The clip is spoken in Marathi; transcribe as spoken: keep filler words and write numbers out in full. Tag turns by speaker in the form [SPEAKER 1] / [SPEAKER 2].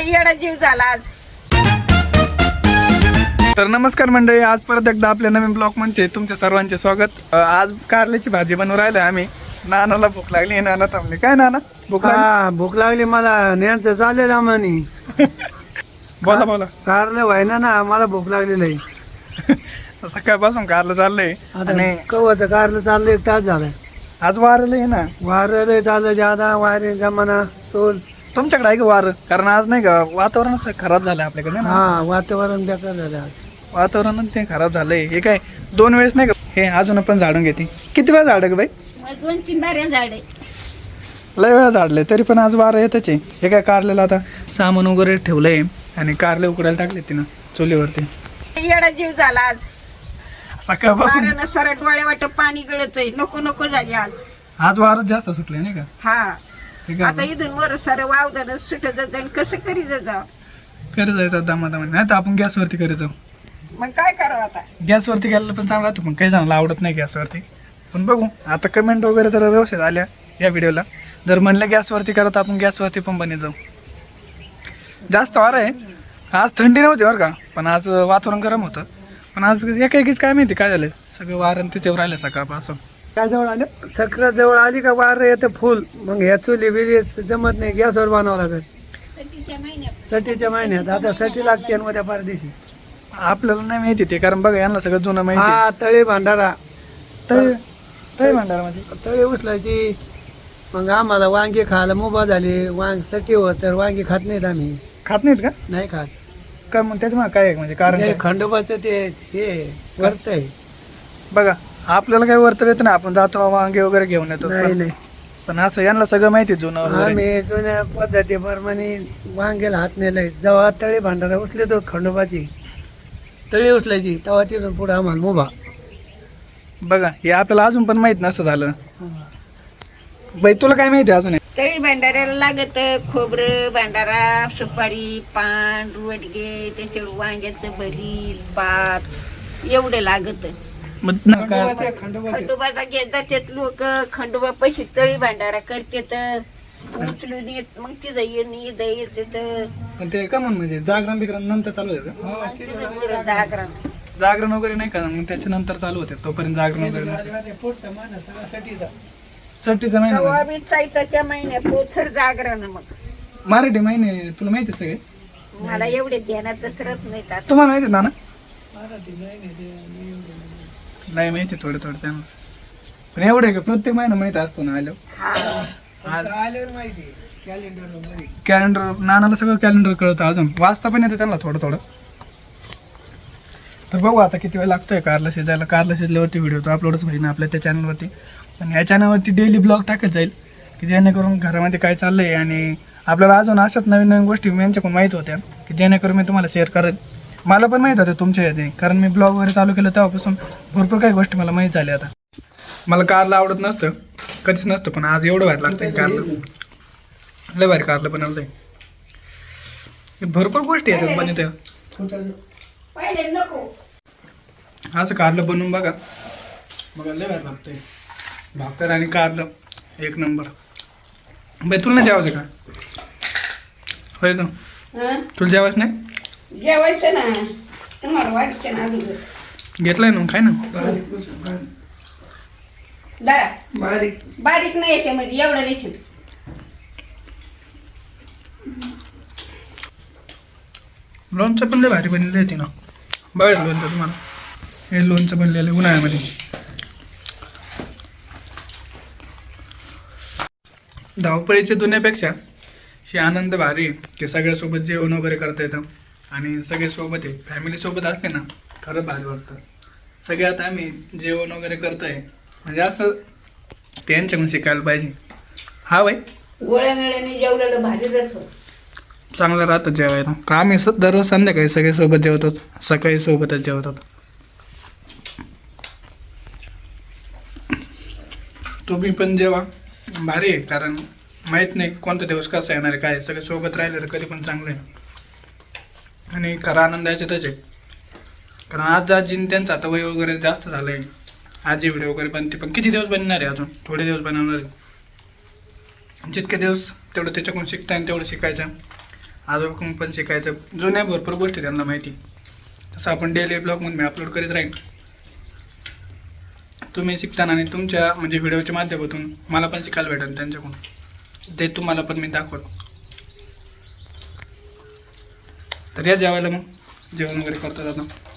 [SPEAKER 1] येडा जीव झाला आज.
[SPEAKER 2] तर नमस्कार मंडळी, आज परत एकदा आपल्या नवीन ब्लॉग मध्ये तुमच्या सर्वांचे स्वागत. आज कारल्याची भाजी बनवून राहिलो आम्ही. नानाला भूक लागली, नाना थांबले. काय नाना भूक लागली?
[SPEAKER 3] हा भूक लागली मला. न्यायचं चालेल आम्हानी.
[SPEAKER 2] बोला बोला.
[SPEAKER 3] कारलं व्हायना ना, मला भूक लागलेलं आहे.
[SPEAKER 2] सकाळपासून कारलं चाललंय आणि
[SPEAKER 3] कवाचं कारलं चाललंय, एक तास झालाय.
[SPEAKER 2] आज वारलं आहे ना.
[SPEAKER 3] वारं चाललं ज्यादा, वारे जमाना सोल.
[SPEAKER 2] तुमच्याकडे आहे का वार? कारण आज नाही का वातावरण खराब झालंय आपल्याकडे ना.
[SPEAKER 3] हा वातावरण बेकार झालं आज.
[SPEAKER 2] वातावरण ते खराब झालंय. हे काय दोन वेळेस नाही का हे अजून पण झाडून घेते. किती वेळा झाड ग बाई?
[SPEAKER 1] दोन तीन बाऱ्या झाडे
[SPEAKER 2] लय वेळा झाडले तरी पण आज वारं येतच आहे. हे काय कारलेला आता सामान वगैरे ठेवलंय आणि कारले उकडायला टाकले तिनं चुलीवरती.
[SPEAKER 1] येडा जीव झाला आज.
[SPEAKER 2] सकाळपासून
[SPEAKER 1] वाऱ्यानं सरळ डोळे वाटत पाणी गळत आहे. नको नको झाली आज.
[SPEAKER 2] आज वारच जास्त सुटले नाही का?
[SPEAKER 1] हा
[SPEAKER 2] ठीक
[SPEAKER 1] आता
[SPEAKER 2] आहे.
[SPEAKER 1] इथून वर सर वावदान सुटत जाईल. कसं करी जा
[SPEAKER 2] करत जायचं दमा दमा. नाही तर आपण गॅसवरती करायचो.
[SPEAKER 1] मग काय करावं आता?
[SPEAKER 2] गॅसवरती गेलं पण चांगलं राहतं, पण काही जणांना आवडत नाही गॅसवरती. पण बघू आता कमेंट वगैरे जर व्यवस्थित आल्या या व्हिडिओला, जर म्हणलं गॅसवरती करत आपण गॅसवरती पण बने जाऊ. जास्त वार आहे आज. थंडी नव्हती बरं का, पण आज वातावरण गरम होतं. पण आज एका एकीच काय माहिती काय झालं, सगळं वारण तिच्यावर राहिलं सकाळपासून. काय जवळ आलं
[SPEAKER 3] सक्र जवळ आली का वार येतं फुल. मग ह्या चुली बिली जमत नाही, गॅसवर बनवावं लागत. सटीच्या महिन्यात आता सटी लागते आणि उद्या परदेशी.
[SPEAKER 2] आपल्याला नाही माहिती ते, कारण बघा यांना सगळं जुनं माहिती.
[SPEAKER 3] हा तळे भांडारा,
[SPEAKER 2] तळी तळी भांडारामध्ये
[SPEAKER 3] तळे उचलायची. मग आम्हाला वांगे खायला मुभा झाली. वांग सटी होत तर वांगे खात नाहीत आम्ही.
[SPEAKER 2] खात नाहीत का?
[SPEAKER 3] नाही खात.
[SPEAKER 2] काय मग त्याच्यामुळे काय आहे म्हणजे कारण
[SPEAKER 3] ते
[SPEAKER 2] काय?
[SPEAKER 3] खंडोबाचं ते हे वर्त आहे.
[SPEAKER 2] बघा आपल्याला काही वर्तव्य येत नाही, आपण जातो वांगे वगैरे घेऊन येतो.
[SPEAKER 3] नाही
[SPEAKER 2] पण-
[SPEAKER 3] नाही
[SPEAKER 2] पण असं यांना सगळं माहिती जुनं वगैरे.
[SPEAKER 3] आम्ही जुन्या पद्धतीप्रमाणे वांग्याला हात नेलाय. जेव्हा तळे भांडारा उचले तो खंडोबाची तळी उचलायची, तेव्हा तिथून पुढे आम्हाला मुभा.
[SPEAKER 2] बघा हे आपल्याला अजून पण माहित नसतं झालं. बाई तुला काय माहिती अजून?
[SPEAKER 1] तळी भांडाऱ्याला लागत खोबरं, भांडारा, सुपारी, पान, वडगे, त्याच्यावर वांग्याचं भरीत, भात एवढं लागत.
[SPEAKER 2] मग न- काय असतं?
[SPEAKER 3] खंडोबाचे
[SPEAKER 1] खंडोबाचा घेत जातात लोक. खंडोबा पैसे तळी भांडारा करतात, उचलून येत. मग तिथं येणं इथं येते
[SPEAKER 2] पण ते का म्हण म्हणजे जागरण बिगरण नंतर चालू होते का?
[SPEAKER 1] जागरण.
[SPEAKER 2] जागरण वगैरे नाही का मग त्याच्यानंतर चालू होते, तोपर्यंत जागरण वगैरे नसते.
[SPEAKER 3] पुढचा महिना सगळा सटीचा.
[SPEAKER 2] सट्टीचा महिना
[SPEAKER 1] तेव्हा
[SPEAKER 2] म्हणजे.
[SPEAKER 1] बी चैताच्या महिन्यात पोथर जागरण. मग
[SPEAKER 2] मराठी महिने तुला माहिती सगळे?
[SPEAKER 1] मला एवढे ध्यानात सरत नाही आता.
[SPEAKER 2] तुम्हाला माहिती ना?
[SPEAKER 3] मराठी नाही नाही ते नाही एवढं नाही.
[SPEAKER 2] नाही माहिती थोडं थोडं त्यांना. पण एवढं का प्रत्येक महिना माहिती असतो ना आलो.
[SPEAKER 1] हा
[SPEAKER 3] फक्त आल्यावर माहिती कॅलेंडर मध्ये.
[SPEAKER 2] कॅलेंडर नानाला सगळं कॅलेंडर कळतं, अजून वाचता पण येतं त्यांना थोडं थोडं. तर बघू आता किती वेळ लागतोय कारला शिजायला. कारला शिजल्यावरती व्हिडिओ तो अपलोडच होईल ना आपल्या त्या चॅनलवरती. आणि या चॅनलवरती डेली ब्लॉग टाकत जाईल की जेणेकरून घरामध्ये काय चाललं आहे आणि आपल्याला अजून अशाच नवीन नवीन गोष्टी यांच्याकडून माहीत होत्या की जेणेकरून मी तुम्हाला शेअर करेन. मला पण माहीत होतं तुमच्या याचे, कारण मी ब्लॉग वगैरे चालू केलं तेव्हापासून भरपूर काही गोष्टी मला माहीत झाल्या. आता मला कारला आवडत नसतं, कधीच नसतं, पण आज एवढं भारी लागतं कारलं. लय भारी कारलं बनवलंय. भरपूर गोष्टी आहेत बनवत्या.
[SPEAKER 1] पहिले नको
[SPEAKER 2] असं कारलं बनवून बघा, बघा लय भारी लागतंय. भाकर आणि कारलं एक नंबर. बाई तुला नाही जेवायचं का? होय का?
[SPEAKER 1] हं?
[SPEAKER 2] तुला जेवायचं नाही?
[SPEAKER 1] जेवायचं ना, तुम्हाला वाटतं ना अगोदर.
[SPEAKER 2] घेतलंय ना काय ना.
[SPEAKER 3] बारीक उचल, बारीक.
[SPEAKER 1] दरा
[SPEAKER 3] बारीक
[SPEAKER 1] बारीक नाही याच्यामध्ये एवढं नाही.
[SPEAKER 2] लोणचं पण लय भारी बनलेलं आहे ना. बघायचं लोणचं तुम्हाला. हे लोणचं बनलेलं आहे उन्हाळ्यामध्ये. धावपळीच्या दुनियापेक्षा ही आनंद भारी आहे की सगळ्यासोबत जेवण वगैरे करता येतं आणि सगळे सोबत आहे. फॅमिलीसोबत असते ना खरं भारी वाटतं. सगळे आता आम्ही जेवण वगैरे करतोय म्हणजे असं त्यांच्याकडून शिकायला पाहिजे. हा बाई
[SPEAKER 1] गोळ्या मेळ्याने जेवलेलं भारी जातो.
[SPEAKER 2] चांगलं राहतं जेवायला. का आम्ही स दररोज संध्याकाळी सगळे सोबत जेवतो, सकाळी सोबतच जेवतात. तुम्ही पण जेवा, भारी आहे. कारण माहीत नाही कोणता दिवस कसा येणार आहे काय. सगळे सोबत राहिले तर कधी पण चांगलं आहे आणि खरा आनंद याच्यातच आहे. कारण आज आजीने त्यांचं आता वय वगैरे जास्त झालं आहे. आजी व्हिडिओ वगैरे बनते, पण किती दिवस बनणार आहे? अजून थोडे दिवस बनवणार आहे. जितके दिवस तेवढं त्याच्याकडून शिकता येईल तेवढं शिकायचं. आजोबाकडून पण शिकायचं. जुन्या भरपूर गोष्टी त्यांना माहिती, तसं आपण डेली ब्लॉगमध्ये मी अपलोड करीत राहीन. तुम्ही शिकताना आणि तुमच्या म्हणजे व्हिडिओच्या माध्यमातून मला पण शिकायला भेटेल त्यांच्याकडून, ते तुम्हाला पण मी दाखवतो. तर या जेवायला मग जेवण वगैरे करतो आता.